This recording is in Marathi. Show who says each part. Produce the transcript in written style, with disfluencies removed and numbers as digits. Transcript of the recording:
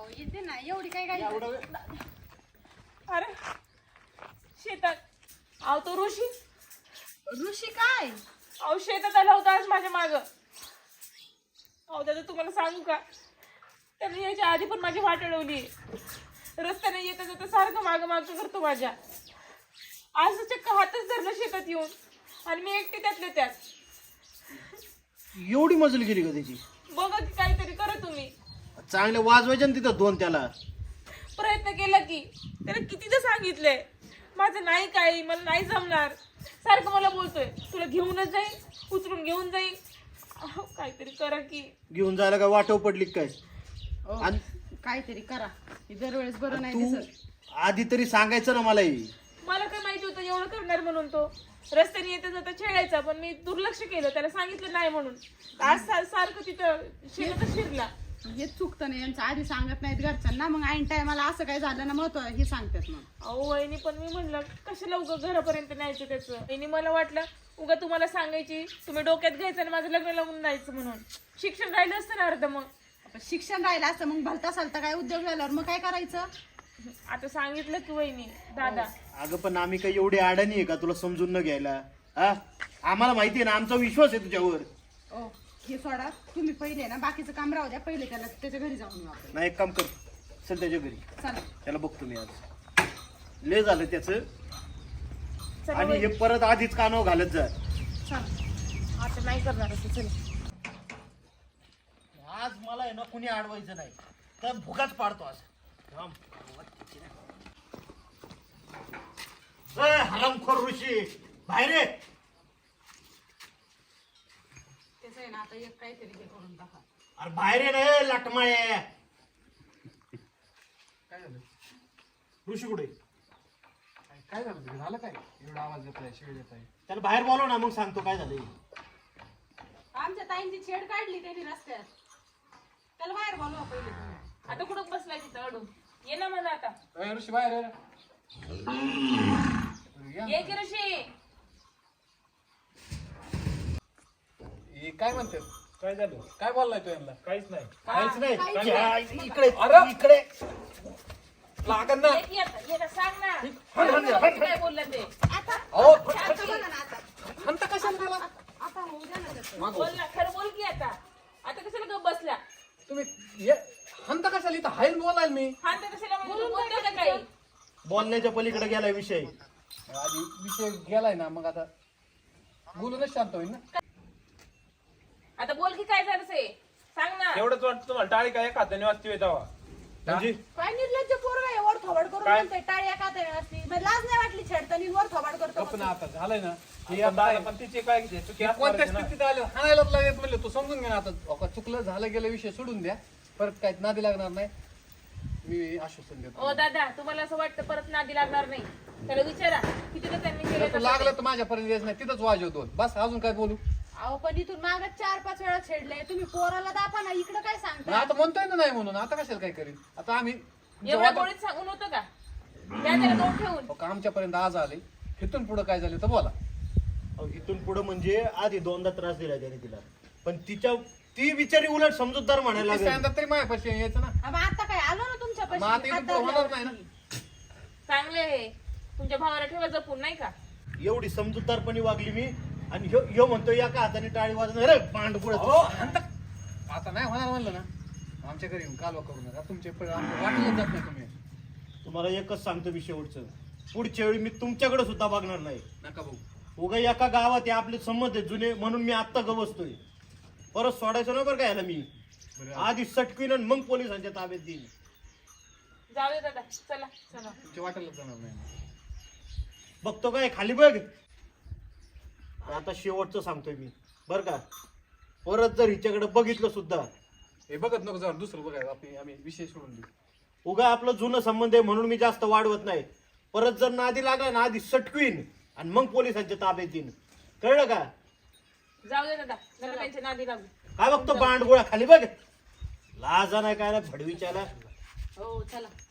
Speaker 1: अहो येते ना एवढी काय काय
Speaker 2: अरे शेतात अहो तो ऋषी
Speaker 1: ऋषी काय
Speaker 2: अहो शेतात आला होता आज माझ्या माग. अहो दादा तुम्हाला सांगू का त्याने याच्या आधी पण माझी वाट अडवली. रस्त्याने येता जाता सारखं माग माग करतो माझ्या. आज चक्क हातच धरलं शेतात येऊन आणि मी एकटी त्यातले त्यात.
Speaker 3: एवढी मजल गेली का त्याची?
Speaker 2: बघा की काहीतरी करा तुम्ही.
Speaker 3: चांगले वाजवायचे ना तिथं दोन त्याला.
Speaker 2: प्रयत्न केला की त्याला कितीदा सांगितलंय माझं नाही काही मला नाही जमणार. सारखं मला बोलतोय तुला घेऊनच जाईल उचलून घेऊन जाईल. काहीतरी करा की.
Speaker 3: घेऊन जायला काय वाटव पडली काय?
Speaker 1: काहीतरी करा दरवेळेस बरं नाही
Speaker 3: तू
Speaker 1: दिसत.
Speaker 3: आधी तरी सांगायचं ना मलाही.
Speaker 2: मला काय माहिती होतं एवढं करणार म्हणून. तो रस्त्याने येता जाता छेडायचा पण मी दुर्लक्ष केलं त्याला सांगितलं नाही म्हणून. आज सारखं तिथं शेतातच शिरला.
Speaker 1: हे चुकतं नाही यांचं आधी सांगत नाहीत घरच्यांना मग ऐन टायमाला असं काय झालं ना महत्व हे सांगतात मग.
Speaker 2: अहो वहिनी पण मी म्हणलं कशाला उगा घरापर्यंत न्यायचं त्याचं. वहिनी मला वाटलं उगा तुम्हाला सांगायची तुम्ही डोक्यात घ्यायचं आणि माझं लग्न लावून जायचं म्हणून. शिक्षण राहिलं असतं ना अर्ध. मग
Speaker 1: शिक्षण राहिलं असतं मग भलता चालता काय उद्योग झाल्यावर मग काय करायचं.
Speaker 2: आता सांगितलं की वहिनी दादा.
Speaker 3: अगं पण आम्ही काही एवढी अडाणी आहे का तुला समजून न घ्यायला? हा आम्हाला माहिती आहे ना आमचा विश्वास आहे तुझ्यावर.
Speaker 1: ओ हे सोडा तुम्ही पहिले ना बाकीचं काम राहू द्या. पहिले त्याला त्याच्या घरी जाऊन येऊ आपण.
Speaker 3: नाही एक काम कर चल त्याच्या घरी.
Speaker 1: चला
Speaker 3: त्याला बघतो मी आज. लय झालं त्याचं.
Speaker 2: चला
Speaker 3: आणि
Speaker 2: वहिनी.
Speaker 3: हे परत आधीच कानावर घालत जा.
Speaker 2: चला आता नाही करणार असं. चल
Speaker 3: आज मला आहे ना कुणी अडवायचं नाही तर भुगाच पाडतो आज. हरामखोर ऋषी बाहेर ये.
Speaker 1: त्याचं आहे ना आता एक काहीतरी हे करून टाका.
Speaker 3: अरे बाहेर ये रे लाटमाळे.
Speaker 4: काय झालं?
Speaker 3: ऋषी कुठे?
Speaker 4: काय झालं तुझं? झालं काय एवढा आवाज येत आहे शिळ येत आहे?
Speaker 3: त्याला बाहेर बोलव ना मग सांगतो काय झालं.
Speaker 1: आमच्या ताईंची छेड काढली त्यांनी रस्त्यात. त्याला बाहेर बोलवा पहिले तुम्ही.
Speaker 2: आता कुठं बसलाय तिथं अडून. ये ना मला आता.
Speaker 4: अय ऋषी बाहेर ये रे. या
Speaker 2: ये की ऋषी.
Speaker 4: हे काय म्हणते? काय झालं? काय बोललाय तू यांना?
Speaker 5: काहीच नाही.
Speaker 3: काहीच नाही.
Speaker 1: काहीच
Speaker 3: या, इकडे
Speaker 4: अरे!
Speaker 3: इकडे.
Speaker 4: लागन ना.
Speaker 2: ये की आता. ये ना सांग ना.
Speaker 3: हट.
Speaker 2: काय बोलला ते.
Speaker 1: आता
Speaker 4: अहो
Speaker 1: आता बघा ना आता.
Speaker 4: हंत कशाला त्याला?
Speaker 1: आता होऊ द्या ना त्याचं.
Speaker 2: बोल ना खरं बोल की आता. आता कशाला गप बसला.
Speaker 4: तुम्ही हंत कशाला इथं हाईल बोलायला मी?
Speaker 2: हा तर कशाला म्हणजे तू बोलतोय का काही.
Speaker 3: बोलण्याच्या पलीकडे गेला विषय.
Speaker 4: आधी विषय गेलाय ना मग आता बोलूनच शांत होईल ना.
Speaker 2: आता बोल की काय झालं ते. सांग ना.
Speaker 5: एवढंच वाटतं तुम्हाला टाळी काय एका हाताने वाजती येतावा.
Speaker 3: म्हणजे
Speaker 1: काय निर्लज्ज पोरगा आहे वर थोबाड करून
Speaker 5: काय?
Speaker 1: म्हणतोय टाळ्या का ते असती. मग लाज नाही वाटली छेडतानी वर थोबाड करतो.
Speaker 4: पण आता झालंय ना हे
Speaker 5: पण
Speaker 4: आता
Speaker 5: दादा पण तिचे काय चुकी असणार
Speaker 4: कोणत्या
Speaker 5: आहे ना.
Speaker 4: स्थितीत आलं हाणायलाच लागेल म्हणलं तू समजून घे ना आता. अहो, चुकलं झालं गेलं विषय सोडून द्या. परत काय नादी लागणार नाही. मी आश्वासन देतो.
Speaker 2: ओ दादा तुम्हाला असं वाटतं परत नादी लागणार नाही. त्याला विचारा किती त्यांनी केलं
Speaker 4: तू
Speaker 2: तसं
Speaker 4: लागलं
Speaker 2: ते.
Speaker 4: तर माझ्यापर्यंत यायचं नाही तिथंच वाजव दोन बस. अजून काय बोलू?
Speaker 1: अहो पण इथून माग 4-5 वेळा छेडले तुम्ही. पोराला दापा ना इकडं काय
Speaker 4: मग
Speaker 1: सांगता.
Speaker 4: आता म्हणतोय ना नाही म्हणून. आता कशाला काय करीन? आता आम्ही
Speaker 2: एवढ्या गोळीत सांगून होतं का. द्या त्याला दोन ठेवून.
Speaker 4: आमच्यापर्यंत आज आले. इथून पुढे काय झालं तर बोला.
Speaker 3: अहो, इथून पुढे म्हणजे आधी दोनदा त्रास दिला त्याने तिला. पण ती बिचारी उलट समजूतदार म्हणायला लागली.
Speaker 4: सांगतात तरी माझ्यापाशी यायचं ना.
Speaker 1: मग आता काय आलो ना तुमच्या
Speaker 4: मग आता इथून पुढे होणार नाही ना.
Speaker 2: चांगले आहे. तुमच्या भावाला ठेवा जपून नाही का.
Speaker 3: एवढी समजूतदारपणी वागली मी. आणि ह्यो म्हणतो एका हाताने टाळी वाजवणार. अरे पांड पुढे.
Speaker 4: आता नाही होणार म्हणलं ना. आमच्या घरी येऊन कालवा करू नका. तुमचे वाटलं जात नाही तुम्ही.
Speaker 3: तुम्हाला एकच सांगतो मी शेवटचं. पुढच्या वेळी मी तुमच्याकडे सुद्धा बघणार नाही.
Speaker 4: नका भाऊ.
Speaker 3: उगा एका गावात हे आपले संमत आहे जुने म्हणून मी आत्ता गवसतोय. परत सोडायचं ना बरं काय याला मी. आधी सटकीन आणि मग पोलिसांच्या ताब्यात देईन.
Speaker 2: जाऊ दे दादा. चला चला.
Speaker 4: तुमच्या वाटेला जाणार नाही.
Speaker 3: बघतो काय खाली बघ. आता शेवटचं सांगतोय मी बरं का. परत जर हिच्याकडे बघितलं सुद्धा
Speaker 4: हे बघत नको जाऊन दुसरं बघायला. आम्ही विषय सोडून देऊ.
Speaker 3: उगा आपलं जुनं संबंध आहे म्हणून मी जास्त वाढवत नाही. परत जर नादी लागला ना आधी सटकवीन आणि मग पोलिसांच्या ताब्यात देईन. कळलं का?
Speaker 2: जाऊ दे दादा. जरा त्यांच्या नादी लागू.
Speaker 3: काय बघतो बांडगोळा खाली बघ. लाजा नाही काय ना भडवीच्याला.
Speaker 1: हो चला.